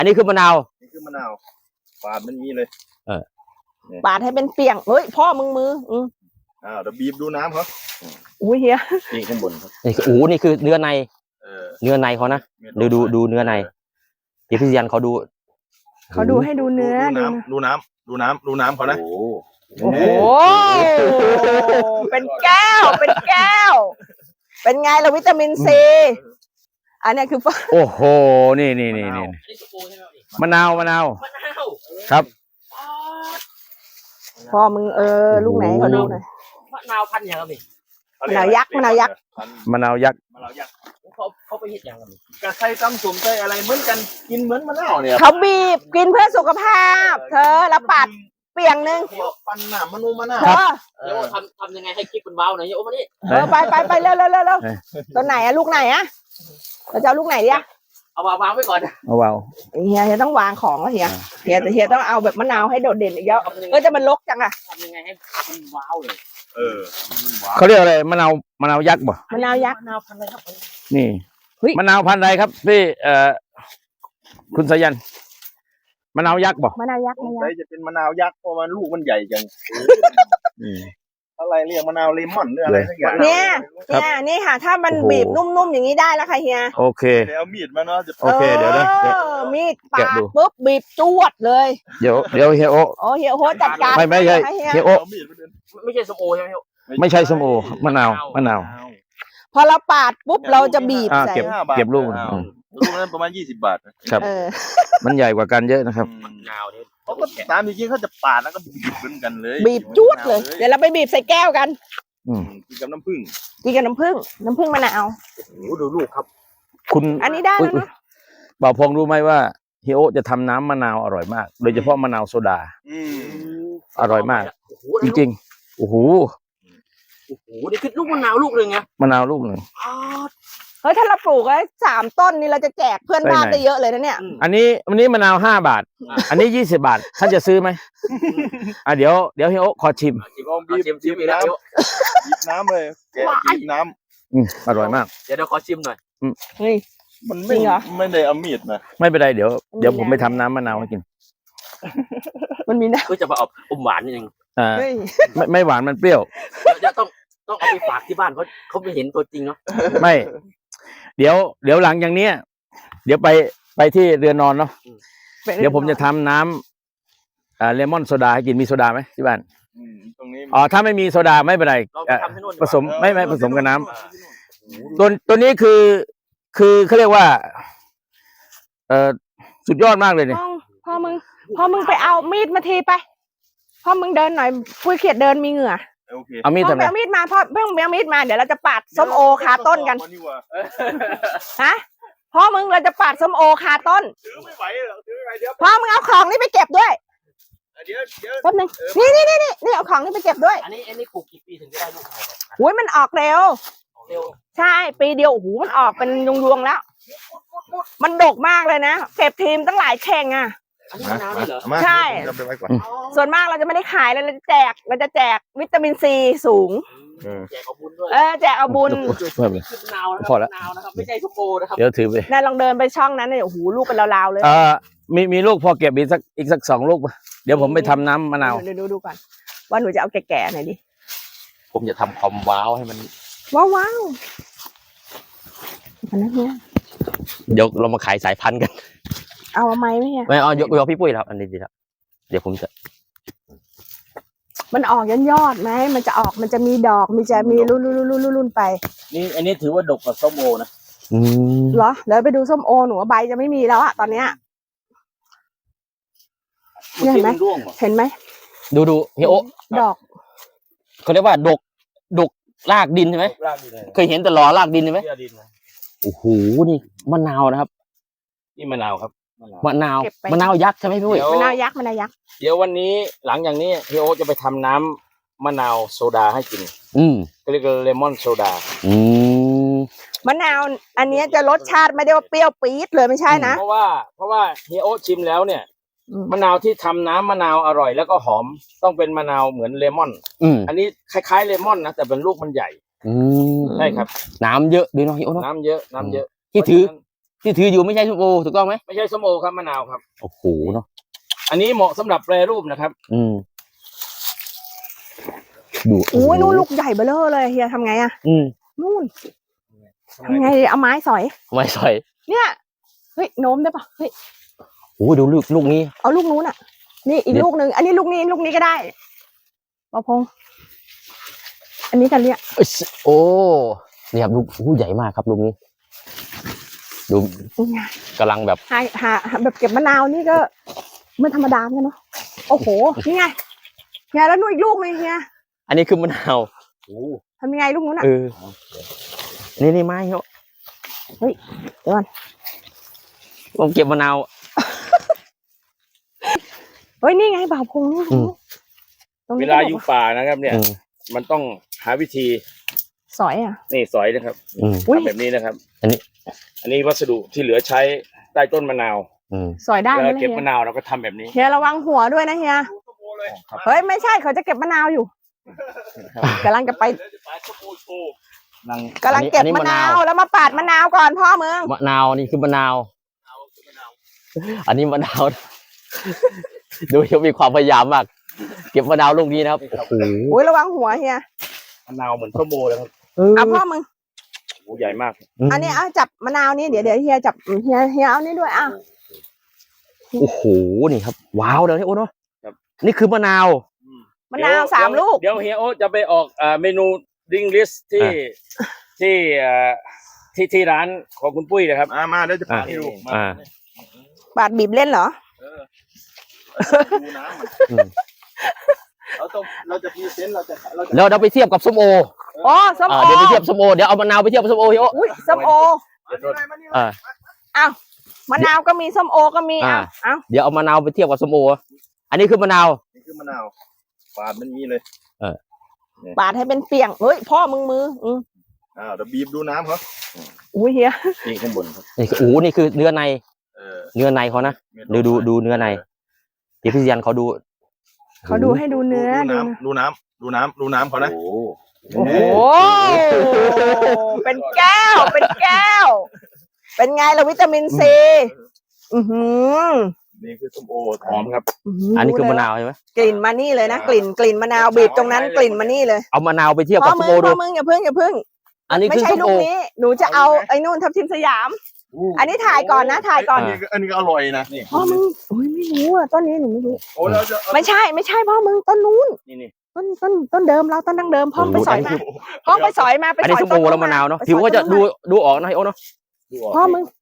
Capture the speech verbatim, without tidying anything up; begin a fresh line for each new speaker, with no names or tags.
อันนี้คือมะนาว
นี่คือมะนาวปาดมันนี้เลย
เออ
ปาดให้เป็นเปียงเฮ้ยพ่อมึงมืออือ
อ่าเดี๋ยวบีบดูน้ำเขา
อุ้ยเฮีย
นี่ข้างบนครับ
นี่คือโอ้นี่คือเนื้อใน
เออ
เนื้อในเขานะดูดูดูเนื้อในเดี๋ยวพี่ยันเขาดู
เขาดูให้ดูเนื้อ
ดูน้ำดูน้ำดูน้ำดูน้ำเขานะ
โอ้โหเป็นแก้วเป็นแก้วเป็นไงล่ะวิตามินซีอันนี้คือ
โอ้โหนี่นี่นี่นี่มะนาวมะนาวครับ
พ่อมึงเออลูกไหนเขาดูหน่อย
มะนาวพันธุ์อย่างไร
มะนาวยักษ์มะนาวยักษ์
มะนาวยักษ์
มะนาวยักษ์
เขาเขาไปเห็ดอย่างไร
กระไซตำสุ่มไส้อะไรเหมือนกันกินเหมือนมะนาวเนี่ย
เขาบีบกินเพื่อสุขภาพเธอแล้วปาดเปียงนึง
ปันหนามมะนูมะนาว
เดี๋ยวทำทำยังไงให้คลิปมันเบาหน่อยโอ้มานี่
เออไปไปไปเร็วเร็วเร็วเร็วตัวไหนอะลูกไหนอะเราจะเอาลูกไหนดิอะ
เอาวางไว้ก่อน
เอาวาง
เฮียเฮียต้องวางของแล้วเฮียเฮียแต่เฮียต้องเอาแบบมะนาวให้โดดเด่นอีกแล้วเออจะมันลกจังอะ
ทำยังไงให้มันว้าวเลย
เออ
เขาเรียกอะไรมะนาวมะนาวยักษ์บ่
มะนาวยักษ์
มะนาวพันธุ์อะไรครับ
นี่มะนาวพันธุ์อะไรครับพี่เอ่อคุณสายันมะนาวยักษ์บ่
มะนาวยักษ์มะนาว
จะเป็นมะนาวยักษ์เพราะมันลูกมันใหญ่จังอะไรเรียกมะนาวเลมอนหรืออะไรสักอย่าง
เนี่ยเนี่ยนี่ค่ะถ้ามันบีบนุ่มๆอย่างนี้ได้แล้วค่ะเฮีย
โอเค
เดี๋ยวเอามีดมาเนาะ
โอเคเดี๋ยวนะ
มีดปาดปุ๊บบีบจวดเลย
เดี๋ยวเดี๋ยวเฮียโอ
โอ้เฮียโอจัดการ
ไม่ไม่ใช่เฮียโอ
ไม่ใช่ส้มโอใช่ไหม
ไม่ใช่ส้มโอมะนาวมะนาว
พอเราปาดปุ๊บเราจะบีบใส่
เก็บเก็บลูก
ลูกนั้นประมาณยี่สิบบาท
ครับมันใหญ่กว่ากันเยอะนะครับ
มะนาวนี่
เขาก็ตามจริงๆเขาจะปาดแล้วก็บีบเหมือนกันเลย
บีบจวดเลยเดี๋ยวเราไปบีบใส่แก้วกัน
กินกับน้ำผึ้ง
กินกับน้ำผึ้งน้ำผึ้งมะนาว
โอ้ดูลูกครับ
คุณ
อันนี้ได้แล้วเนาะ
บ่าวพงรู้ไหมว่าเฮียโอจะทำน้ำมะนาวอร่อยมากโดยเฉพาะมะนาวโซดาอร่อยมากจริงๆโอ้โห
โอ้โหนี่คือลูกมะนาวลูกหนึ่งไง
มะนาวลูกหนึ่ง
เฮ้ยถ้าเราปลูกไว้สามต้นนี่เราจะแจกเพื่อนบ้านได้เยอะเลยนะเนี่ย
อันนี้วันนี้มะนาวห้าบาทอันนี้ยี่สิบบาทท่านจะซื้อไหมอ่ะเดี๋ยวเดี๋ยวเฮียโอขอชิม
บีบบีบน้ำบีบน้ำเลยแกะบีบน้ำ
อืมอร่อยมาก
เดี๋ยวเดี๋ยวขอชิมหน่อย
เฮ้ย
มันไม่ไม่ได้เอามีดมา
ไม่เป็นไรเดี๋ยวเดี๋ยวผมไปทำน้ำมะนาวให้กิน
มันมีนะ
ก็จะมาออกอมหวานนิดนึง
อ่าไม่ไม่หวานมันเปรี้ยว
เดี๋ยวต้องต้องเอาไปฝากที่บ้านเขาเขาไม่เห็นตัวจริงเนาะ
ไม่เดี๋ยวเดี๋ยวหลังอย่างเนี้ยเดี๋ยวไปไปที่เรือนนอนเนาะเดี๋ยวผมจะทำน้ำอ่าเลมอนโซดาให้กินมีโซดาไหมที่บ้าน
ตรงนี้
อ๋อถ้าไม่มีโซดาไม่เป็นไรผสมไม่ไม่ผสมกับน้ำตัวตัวนี้คือคือเขาเรียกว่าเอ่อสุดยอดมากเลยเนี่ย
พ่อมึงพ่อมึงไปเอามีดมาทีไปพ่อมึงเดินหน่อยปุ้ยเขียดเดินมีเหงื่อ
เอามีดทำไม
เอามีดมาพ่อเพิ่งเอามีดมาเดี๋ยวเราจะปาดส้มโอคาต้นกันฮะพ่อมึงเราจะปาดส้มโอคาต้น
ถือไม่ไหวหรอกถือไงเดี๋ยว
พ่อมึงเอาของนี่ไปเก็บด้วย
เดี๋ยวเดี๋ยว
แป๊บนึงนี่นี่นี่นี่นี่เอาของนี่ไปเก็บด้วย
อันนี้อันนี้ปลูกกี่ปีถึงจะได้ลูก
อุ้ยมันออกเร็ว
เร็ว
ใช่ปีเดียวโอ้โหมันออกเป็นยวงๆแล้วมันดกมากเลยนะเก็บทีมตั้งหลายแข่งอ่ะใช่ส่วนมากเราจะไม่ได้ขายเลยเราจะแจกเราจะแจกวิตามินซีสูง
แจกเอาบุญด้วย
เออแจกเอาบุญ
พอแล้ว
ไม่ใช่ทุกโบนะครับ
เดี๋ยวถือไป
นายลองเดินไปช่องนั้นเนี่ยโอ้โหลูกเป็นลาวๆเลย
เออมีมีลูกพอเก็บอีกสักอีกสักสองลูกเดี๋ยวผมไปทำน้ำมะนาว
เดี๋ยวดูดูก่อนว่าหนูจะเอาแก่ๆหน่อยดิ
ผมจะทำความว้าวให้มัน
ว้าวว้าวอันนั้นเนี่ย
เดี๋ยวเรามาขายสายพันธุ์กัน
เอาไหมไหมเนี่ย
ไม่เอายกยกพี่ปุ้ยครับอันนี้ดีครับเดี๋ยวผมจะ
มันออกยอดยอดไหมมันจะออกมันจะมีดอกมีจะมีรุ่นรุ่นรุ่นรุ่นรุ่นไป
นี่อันนี้ถือว่าดกกว่าส้มโอนะ
อืม
เหรอเดี๋ยวไปดูส้มโอหนูใบจะไม่มีแล้วอะตอนเนี้ยเห็นไหมเห็นไหม
ดูดูเฮียโอ
ดอก
เขาเรียกว่าดกดกรากดินใช่ไหมเคยเห็นแต่หล่อรากดินใช่ไหมโอ้โหนี่มะนาวนะครับ
นี่มะนาวครับ
มะนาวมะนาวยักษ์ใช่ไหมพี่ปุ้ย
มะนาวยักษ์มะนาวยักษ์
เดี๋ยววันนี้หลังอย่างนี้พี่โอจะไปทำน้ำมะนาวโซดาให้กิน
อืม
เรียกเลมอนโซดา
อืม
มะนาวอันนี้จะรสชาติไม่ได้ว่าเปรี้ยวปี๊ดเลยไม่ใช่นะ
เพราะว่าเพราะว่าพี่โอชิมแล้วเนี่ยมะนาวที่ทำน้ำมะนาวอร่อยแล้วก็หอมต้องเป็นมะนาวเหมือนเลมอน
อืม
อันนี้คล้ายๆเลมอนนะแต่เป็นลูกมันใหญ่
อืม
ใช่ครับ
น้ำเยอะด้วยเนาะพี่โอเนาะ
น้ำเยอะน้ำเยอะ
ที่ถือ
ที่ถืออยู่ไม่ใช่ส้มโอถูกต้องไหม
ไม่ใช่ส้มโอครับมะนาวครับ
โอ้โหเนาะ
อันนี้เหมาะสำหรับแปรรูปนะครับ
อืมดู
โอ้ยนู่นลูกใหญ่เบ้อเร่อเลยเฮียทำไงอะ
อืม
นู่นทำไงดีเอาไม้สอย
ไม่ใส่
เนี่ยเฮ้ยโน้มได้ปะเฮ้ย
โอ้ดูลูกลูกนี้
เอาลูกนู้นอ่ะ นี่อีก
เดี๋ยว
ลูกหนึ่งอันนี้ลูกนี้ลูกนี้ก็ได้ปะพงษ์อันนี้กันเนี่ย
เอ้ยโอ้นี่ครับลูกลูกใหญ่มากครับลูกนี้ ดู
นี่ไง
กำลังแบบ
หาหาหาแบบเก็บมะนาวนี่ก็ไม่ธรรมดาเหมือนกันเนาะโอ้โหนี่ไงเฮียแล้วนู่นอีกลูกนึงเฮีย
อันนี้คือมะนาว
ทำยังไงลูกนู้นอ่ะ
เออนี่นี่ไม้เนาะ
เฮ้ยเดี๋ยวก่อน
ผมเก็บมะนาว
เฮ้ยนี่ไงบ่าวพงษ์นี่
อืม
ตรง
เว
นี้
ลา
ก็บ
อยู่
อกว่า
ป่านะครับ เนี่ย
อืม
มันต้องหาวิธี
สอยอ่ะ
นี่สอยนะครับ
อืม
อุ๊ย
ทำแบบนี้นะครับ
อันนี้
อันนี้วัสดุที่เหลือใช้ใต้ต้นมะนาว
อืม
สอยได้ไหม
แล้ว
ล่ะ
เก็บ
เฮีย
มะนาวเราก็ทำแบบนี้
เฮียระวังหัวด้วยนะเฮียเฮ้ยไม่ใช่เขาจะเก็บมะนาวอยู่กำลังจะไป
นั่ง
กำลังเก็บมะนาวแล้วมาปาดมะนาวก่อนพ่อมึง
มะนาวนี่คือมะนาว อันนี้มะนาว ดูเขามีความพยายามมาก เก็บมะนาวลูกนี้นะครับโอ้โห
อุ้ยระวังหัวเฮีย
มะนาวเหมือนส้มโอเลยครับ
เอาพ่อมึง
โอ้ใหญ่มาก
อันนี้เอาจับมะนาวนี่เดี๋ยวเดี๋ยวเฮียจับเฮียเฮียเอานี่ด้วยอ่ะ
โอ้โหนี่ครับ ว้าวเลยนี่โอ้เนาะนี่คือมะนาว
มะนาวสามลูก
เดี๋ยวเฮียโอจะไปออกอ่าเมนูดิงลิสที่ที่อ่าที่ที่ร้านของคุณปุ้ยนะครับ
มามาเดี๋ยวจะพาให้ดูมา
อ่า
บาดบีบเล่นเหรอ
ดูน้ำมัน
อืม
เราต้องเราจะพรีเซนต์เราจะเราจะ
แล้วเราไปเทียบกับส้มโอ
อ๋อส้ม
อ่า
โอ
เดี๋ยวไปเทียบส้มโอเดี๋ยวเอามะนาวไปเทียบกับส้มโอพี่โอ
อุ้ยส้มโอ
อ่า
อ้าวมะนาวก็มีส้มโอก็มี
อ่า
อ้าวอ้าว
เดี๋ยวเอามะนาวไปเทียบกับส้มโออันนี้คือมะนาว
นี่คือมะนาวปาดมันนี้เลย
ปาดให้เป็นเปียงเฮ้ยพ่อมึงมืออืม
อ้าวเดี๋ยวบีบดูน้ำเขา
อุ้ยเฮีย
นี่ข้างบนครับ
นี่คือโอ้โหนี่คือเนื้อใน
เออ
เนื้อในเขานะ ดูดูดูเนื้อใน เดี๋ยวพี่ยันเขาดู
เขาดูให้ดูเนื้อ
ดู
ดู
น้ำดูน้ำดูน้ำดูน้ำเขานะ
โอ้
โอ้โหเป็นแก้วเป็นแก้ว เป็นไงล่ะวิตามินซีอือหือ
นี่คือส้มโอ
หอมครับ
อันนี้คือมะนาวใช่ไหม
กลิ่นมานี่เลยนะกลิ่นกลิ่นมะนาวบีบตรงนั้นกลิ่นมานี่เลย
เอามะนาวไปเทียบ
พ่
กั
อบ
ส้
มึ
ม
ง
โอดู
พ่อมึงอย่าเพิ่งอย่าเพิ่ง
อันนี้
ไม่
คือ
ใช่
ส้ม
ลู
โอก
นี้ หนูจะเอาไอ้นู่นทับทิมสยาม อันนี้ถ่ายก่อนนะถ่ายก่อน
อันนี้ก็อันนี้ก็อร่อยนะนี่
พ่อมึงโอ้ยไม่รู้อ่ะต้นนี้หนูไม่รู้
โอ้เราจะ
ไม่ใช่ไม่ใช่พ่อมึงต้นนู้น
นี่นี่
ต้นต้นต้นเดิมเราต้นดั้งเดิมพ่อไปสอยมา
คือ
พ่อไปสอยมาไป
อัน
ส
นี้
อย
ส้ม
ต้
โอน แล้วมะนาวเนาะผิวก็จะดูดูออกนะไอ้โอเนาะ
ดูออก
พ่อมึง